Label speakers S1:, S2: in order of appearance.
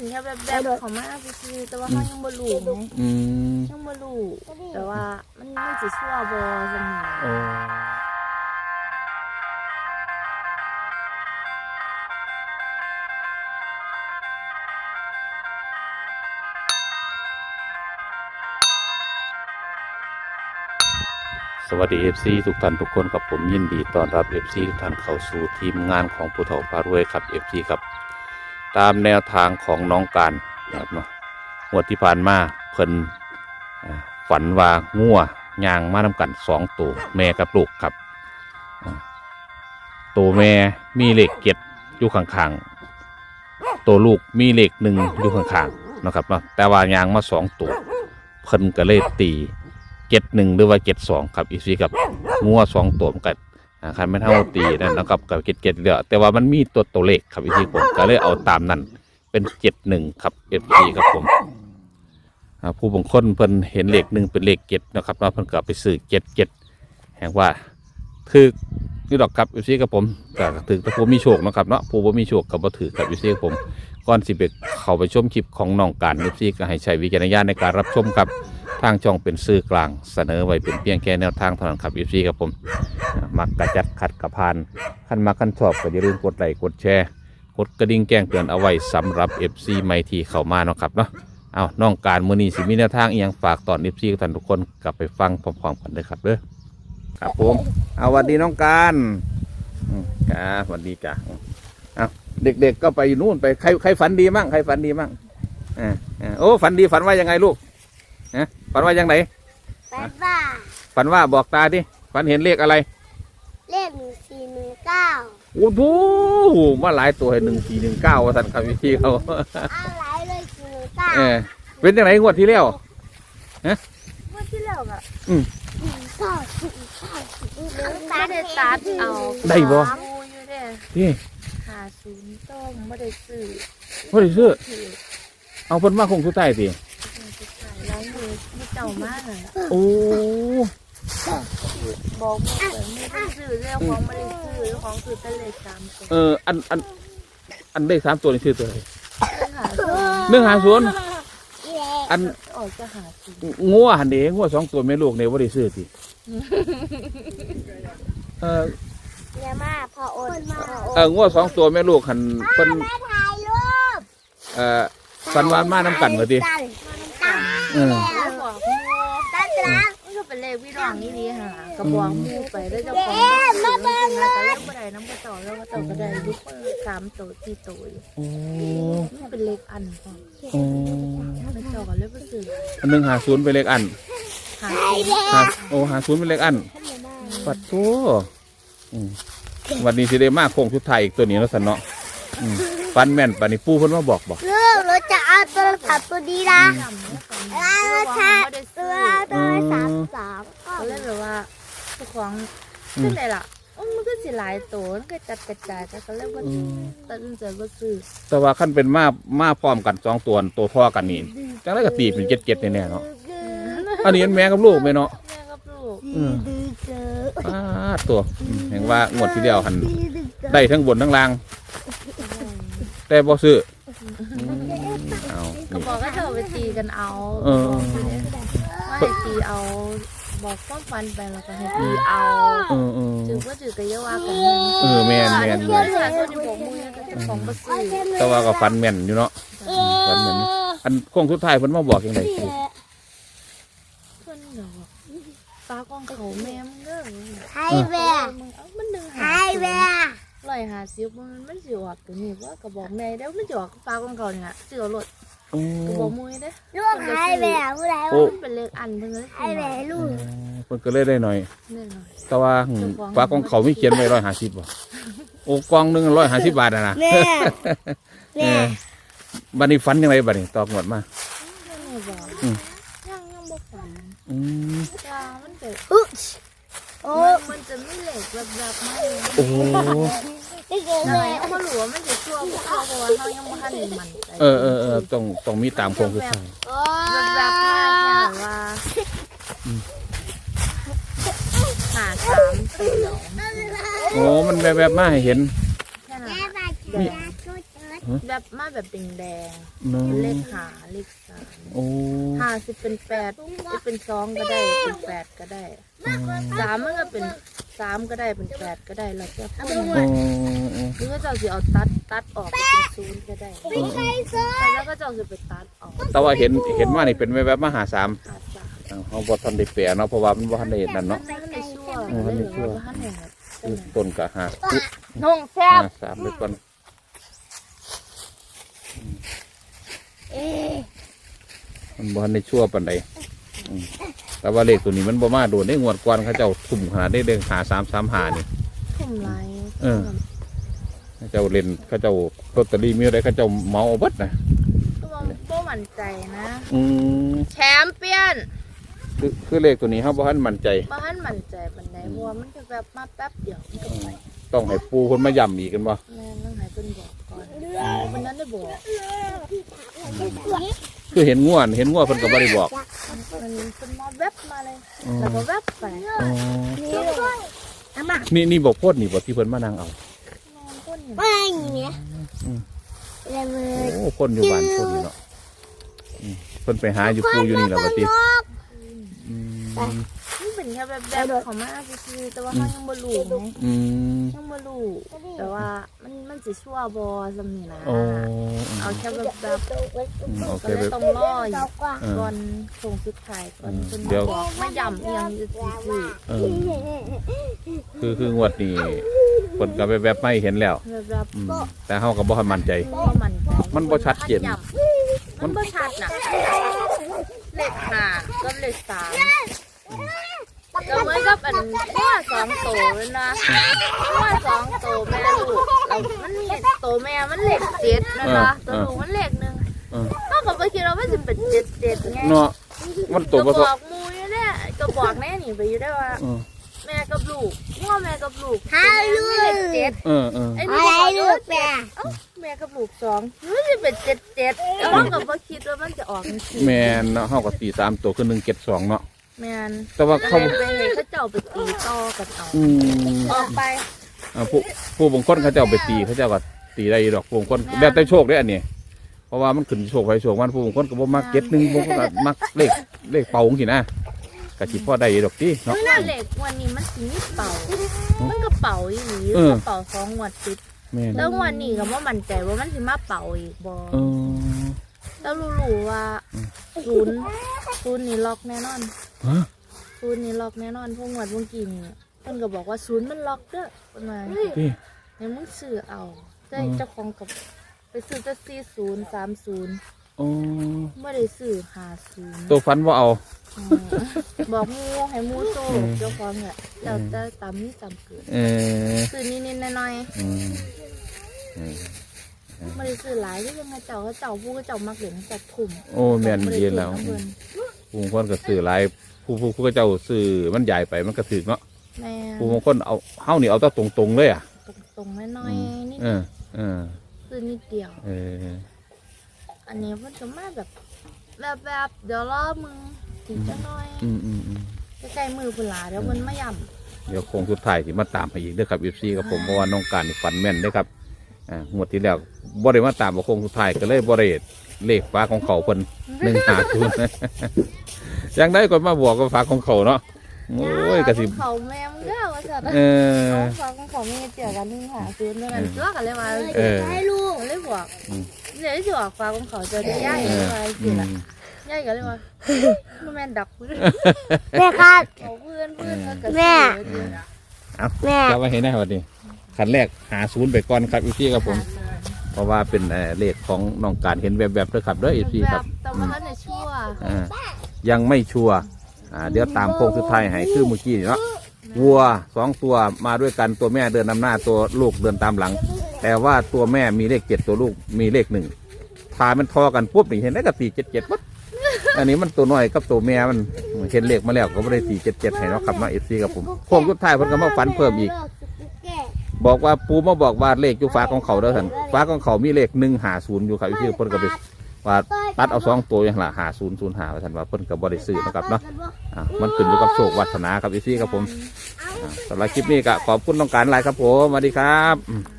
S1: แค่แบบเขามาคือแต่ว่าเขายังบ่รู้ไงยังบ่รู้แต่ว่ามันสิชั่วบ่จังนี้
S2: สวัสดี FC ทุกท่านทุกคนกับผมยินดีต้อนรับ FC ทุกท่านเข้าสู่ทีมงานของผู้เฒ่าพารวยครับ FC ครับตามแนวทางของน้องการนะครับเนาะงวดที่ผ่านมาเพิ่นฝันว่างัวย่างมานำกัน2ตัวแม่กับลูกครับตัวแม่มีเลข7อยู่ข้างๆตัวลูกมีเลข1อยู่ข้างๆนะครับเนาะแต่ว่าย่างมา2ตัวเพิ่นก็เลยตี71หรือว่า72ครับอีซีกับงัว2ตัวกันคันไม่เท่าตีนั่นนะครับกับ77เหลือแต่ว่ามันมีตัวเลขครับอีซีผมก็เลยเอาตามนั้นเป็น71ครับ FC ครับผมผู้บางคนเพิ่นเห็นเลข1เป็นเลข7นะครับเพิ่นก็ไปซื้อ77แห่งว่าถือนี่ดอกครับ FC ครับผมก็ถือแต่ผู้มีโชคนะครับเนาะผู้บ่มีโชคก็บ่ถือครับ FC ครับผมก่อนสิไปเข้าไปชมคลิปของน้องการ FC ก็ให้ใช้วิจารณญาณในการรับชมครับทางช่องเป็นสื่อกลางเสนอไว้เป็นเพียงแค่แนวทางเท่านั้นครับ FC ครับผมมักกระจัดขัดกระพานขั้นมาขั้นชอบก็อย่าลืมกดไลค์กดแชร์กดกระดิ่งแจ้งเตือนเอาไว้สำหรับ FC ใหม่ที่เข้ามาเนาะครับเนาะเอาน้องการมื้อนี้สิมีแนวทางอีหยังฝากตอน FC ท่านทุกคนกลับไปฟังพร้อมๆกันเลยครับเด้อครับผมเอาสวัสดีน้องการครับสวัสดีจ้ะเอาเด็กๆก็ไปนู่นไปใครฝันดีมั่งใครฝันดีมั่งโอ้ฝันดีฝันว่ายังไงลูกฝันว่ายังไงฝันว่าบอกตาดิฝันเห็นเลขอะไร
S1: เลข1419
S2: โอ้โหมาหลายตัวให้1419ว่าท่านครับพี่เขา
S1: อะไรเลย1419
S2: เป็นยังไงงวดที่แล้ว
S1: งวดที่แล้วอะไม่ได้ตัดเอา
S2: ได้บ่
S1: ที่50ต้มไม่ได้ซื้อ
S2: เอาเพิ่นมาคงสุดท้ายสิ
S1: ร้านมือไม่เจ้ามากเลย
S2: โอ้
S1: บอกไม่ได้ซื้อเรื่องของไม่ได้ซื้อของคือเป็นเลข3ตัว
S2: อันเลข3ตัวนี่ชื่อตัวอะไร150อัน
S1: ออกจะ50
S2: งัวหันเด้งัว2ตัวแม่ลูกเนี่ยบ่ได้ซื้อสิ
S1: เนี่ยมาพอโ
S2: อนงัว2ตัวแม่ลูกหันเพิ่นสันวานมาน้ำกันมาดิก็เป็นเลขพี่น้องนี่ดีค่ะกระบอกมูไปแล้วเจ้าของก็เล่นบ่ได้น้ำกระต่อแล้วกระต่อก็ได้ยุค3ตัว4ตัวนี่เป็นเลขอันกระต่อก็เลยไปซื้อ 150เป็นเลขอัน50เป็นเลขอันปัดโต้วันนี้สิได้มาโค้งชุดไทยอีกตัวนี้แล้วสันเนาะฟันแม่นปานี่ปูเพิ่นมาบอก
S1: เราจะเอาตัวถัดตัวดีนะเราจะตัว33ก็เลยแบบว่าเจ้าของขึ้นเลยล่ะมันก็สิหลายตัวมันก็จัดกระจายแต่ก็เลยว่าตัดสินใจว่าซื้อ
S2: แต่ว่าขั้นเป็นมาพร้อมกัน2ตัวท่อกันนี่จังได๋ก็ตีเป็น77แน่ๆเนาะอันนี้แม่กับลูกแม่เนาะ
S1: แม่กับลูก
S2: ตัวเห็นว่างวดที่แล้วหันได้ทั้งบนทั้งล่างแต่บ่ซื้อ
S1: ก็บอกก็เธอไปตีกันเอาตีเอาบอกความฟันไปแล้วก็ให้ตีเอาจืดก็จืดก็เยาว่ากัน
S2: แม่นแต่ว่าก็ฟันแม่นอยู่เนาะฟันแม่นอันโค้งสุดท้ายเพิ่นมาบอกยังไง
S1: เพิ่นบอกปลากองเขาแม่มึงเด้อไอ้แม่มัน150มันสิออกตัวนี้ว่ากระบอกแม่แล้วมันจะออกปลากองเขาเนี่ยสิเอารถกระบอกมวยเด้ลูกไอ้แม่ผู้ใดมันเป็นเลขอันเพิ่นเลยไอ้แม่ลูก
S2: เพิ่นก็เลยได้หน่อยแต่ว่าปลากองเขาไม่เขียนไว้150บ่โอ้กองนึง150 บาทนะแม่บัดนี้ฝันยังไงบัดนี้ตอกหมดมา
S1: ยังบ่ฝันมันเกิดมันจะไม่เหล็กแบบๆมาก
S2: โอ้
S1: เขามาหลวมมันจะชั่วเพราะว่าเขายังไม่ทันมัน
S2: ต้องมีตามโครงคือใช่
S1: แบบๆแค่ว่า53
S2: โอ้มันแบบๆมาให้เห็น
S1: แบบมาแบบแดง
S2: เนาะ
S1: ๆเลขหาเลขสาม
S2: โอ้
S1: หาสิเป็นแปดจะเป็นสองก็ได้เป็นแปดก็ได้สามมันก็เป็นสามก็ได้เป็นแปดก็ได้แล้วแต่คน
S2: โอ้
S1: หรือก็เจ้าสิเอาตัดออกเป็นศูนย์ก็ได้แล้วก็เจ้าสิไปตัดออก
S2: แต่ว่าเห็นว่านี่เป็นแวบๆมาหาสาม
S1: หาสาม
S2: เขาบ่ทันได้แปลเนาะเพราะว่ามันบ่ทันได้เห็นนั่นเนาะ
S1: ท่านในชั่ว
S2: ท่านในชั่ว
S1: ท่านในแบบ
S2: ต้นก็หา
S1: น้องแซ่บ
S2: สามไปก่อนมันบ่ทันได้ชั่วปานใดแต่ว่าเลขตัวนี้มันบ่มาโดนได้งวดก่อนเขาเจ้าทุ่มขนาดได้เด้งหา335นี่
S1: ทุ่มไร
S2: เขาเจ้าเล่นเขาเจ้าลอตเตอรี่มีอะไรเขาเจ้าเมาเอาเบิดนะ
S1: ตัวบ่มั่นใจนะ
S2: อืม
S1: แชมเปี้ยน
S2: คือเลขตัวนี้เฮาบ่ทันมั่นใจ
S1: บ้านมั่นใจปันใดเพราะว่ามันจะแบบมาแป๊บเดียวมันก็ไป
S2: ต้องให้ปูคนมาย้ำอีกกันบ่
S1: แม่ต้องให้เพิ่นบอกก่อนวันนั้นได้บอก
S2: คือเห็นง่วนเพิ่นก็บ่ได้บอก
S1: มันเป็นมาแวบมาเลยแล้วก็แวบไป
S2: อ๋อนี่บอกโพดนี่บ่ที่เพิ่นมานั่งเอา
S1: นอนก้นอยู่
S3: ไม่เนี่ยเลย
S2: โอ้คนอยู่บ้านคนนี่เนาะเพิ่นไปหาอยู่ปูอยู่นี่แล้วบัดนี้อืม
S1: มันเป็นแค่แบบของมาคือแต่ว่าเขายังบ่รู้ไง
S2: อืม
S1: ยังบ่รู้แต่ว่ามันสิชั่วบ่ซำนี่นะ
S2: โอ้
S1: เอาแค่แบบ
S2: โอ
S1: ก็
S2: เค
S1: เลย
S2: แบบ
S1: ต้องรออยู่ก่อนส่งสุดท้ายก่อนเพิ่นบอกไม่ย้ำอีหยังซื่อ
S2: เออคืองวดนี้เพิ่นก็แบบไม่เห็นแล้ว
S1: ๆแบบ
S2: อืมแต่เฮาก็บ่ทันมั่นใจ
S1: บ่มั่นใจ
S2: มันบ่ชัดเจน
S1: มันบ่ชัดน่ะเลข5กับเลข3ก็เหมือนกับอันว่า2ตัวเลยนะว่า2ตัวแม่ลูกแล้วมันมีตัวแม่มันเลข7นะคะตัวลูกมันเลข1
S2: เออ
S1: ก็ก็บ่คิดว่ามันสิเป็น7ไง
S2: เนาะมันตัว
S1: ก็
S2: บ่
S1: บ
S2: ทอ
S1: อกหมูอยู่เนี่ยก็บอกแม่นี่ไปอยู่ได้ว่า แม่กับลูกพ่อแม่กับลูกเลข7
S2: เออ
S1: ไอ้
S3: อะ
S1: นี่
S3: ไร
S1: บอก
S3: ลู
S1: ว่าก
S3: แม่
S1: แม่กับลูก2มันสิเป็น7แล้วเราก็บ่คิดว่ามันจะออกจังซี่
S2: แม่นเนาะเฮาก็ตี3ตัวคือ172เนาะ
S1: แม่น
S2: แต่ว่า
S1: ก็
S2: เขา
S1: เลยไปเห็นเขาเจ้าไปตีต่อกันเอา
S2: อืม
S1: ออกไป
S2: ผู้บางคนเขาเจ้าไปตีเขาเจ้าก็ตีได้ดอกผู้บางคนแล้วแต่โชคได้ออันนี้เพราะว่ามันขึ้นโชคไปโชคมันผู้บางคนก็บ่มักเก็ตหนึงบางคนก็มักเลขเป่าจังซี่นะก็สิพอได้ดอกติเนาะ
S1: หน้าเหล็กวันนี้มันสิมีเป่า มันก็เป่าอีหลี
S2: เออ
S1: ก็เป่า2งวดติด
S2: แม่น
S1: แล้วงวันนี้ก็บ่มั่นใจว่ามันสิมาเป่าอีกบ่
S2: เออ
S1: แล้วรู้ว่าศูนย์นี่ล็อกแน่นอน
S2: ฮะ
S1: ศูนย์นี่ล็อกแน่นอนพวกงวดเมื่อกี้นี่เพิ่นก็บอกว่าศูนย์มันล็อกเด้อเพิ่นว่า
S2: ติ
S1: ให้มึงซื้อเอาได้เจ้าของกับไปซื้อแต่40 30
S2: โอ้
S1: บ่ได้ซื้อ50
S2: ตัวฟันบ่เอา
S1: บอกหมูให้หมูโตเจ้าของเนี่ยแล้วแต่ตามนี้ตามเกิด
S2: เออ
S1: ซื้อนิดๆหน่อย
S2: อืมอืม
S1: ๆบ่ได้ซื้อหลายคือยังไงเจ้าผู้ก็เจ้ามักเล่นจัดทุ่ม
S2: โอ้แม่นดีแล้ว
S1: บ่ได้ซื้อน้ำเพิ่น
S2: ผู้บางคนก็ซื้อหลายผู้ก็เจ้าซื้อมันใหญ่ไปมันก็ถึกเนาะ
S1: แม่
S2: ผู้บางคนเอาเฮานี่เอาแต่ตรงๆเลยอ่ะ
S1: ตรงๆน้อยๆนี่
S2: เออเออ
S1: ซื้อนิดเดียว
S2: เออ
S1: อันนี้เพิ่นก็มาแบบเดี๋ยวรอมึงถึงจะน้อย
S2: อืม
S1: ใกล้ๆมือพุ่นล่ะเดี๋ยวเพิ่นมาย่ำ
S2: เดี๋ยวโคงสุดท้ายที่มาตามให้อีกเด้อครับ FC กับผมเพราะว่าน้องการนี่ฝันแม่นเด้อครับงวดที่แล้วบ่ได้มาตามว่าโคงสุดท้ายก็เลยบ่ได้เลขฟ้าของเขาเพิ่น150ยังได้ก็มาบอกกับฟ้าของเขาเนาะโอ้ยก็สิ
S1: เขาแม่มึงเด้อว่าซั่น
S2: เออ
S1: เอาฟังของเขาแม่เจียกัน150นั่นเจ้ากันเลยว่า
S2: เออ
S3: ให้ลูก
S1: เลยบอกเดี๋ยวสิออกฟ้าของเขาจะได้ย้าย
S2: เออ
S1: ไป
S2: อื
S1: สิ
S2: ม
S1: ล่ะย้ายกันเลยว่าบ่แม่นดักเพื่อน
S3: แม่ครับ
S1: เขาเพื่อนก็
S3: แม่ แม่
S2: จะไว้ให้ได้วันนี้คันแรกหา0ไปก่อนครับ FC กับผม เพราะว่าเป็นเลขของน้องการเห็นแบบๆเด้อครับเด้อ FC ครับ
S1: แต่ว่าเขาเนี่ยชั่ว
S2: ยังไม่ชัวร์เดี๋ยวตามโค้งสุดท้ายให้คือเมื่อกี้นี่เนาะวัว2ตัวมาด้วยกันตัวแม่เดินนำหน้าตัวลูกเดินตามหลัง แต่ว่าตัวแม่มีเลข7ตัวลูกมีเลข1พามันทอกันปุ๊บนี่เห็นได้กับ477ปุ๊บอันนี้มันตัวน้อยกับตัวแม่มันเห็นเลขมาแล้วก็ไม่ได้477ให้เนาะครับมาFC กับผมโค้งสุดท้ายเพิ่นก็มาฝันเพิ่มอีก บอกว่าปูมาบอกว่าเลขอยู่ฟ้าของเขาเด้อท่านฟ้าของเขามีเลข150อยู่ครับพี่เพิ่นก็ไปว่าตัดเอา2ตัวอย่างละ5005ว่าท่านว่าเพิ่นก็บ่ได้ซื้อนะครับเนาะมันขึ้นอยู่กับโชควาสนาครับพี่ครับผมสำหรับคลิปนี้ก็ขอบคุณน้องการหลายครับผมสวัสดีครับ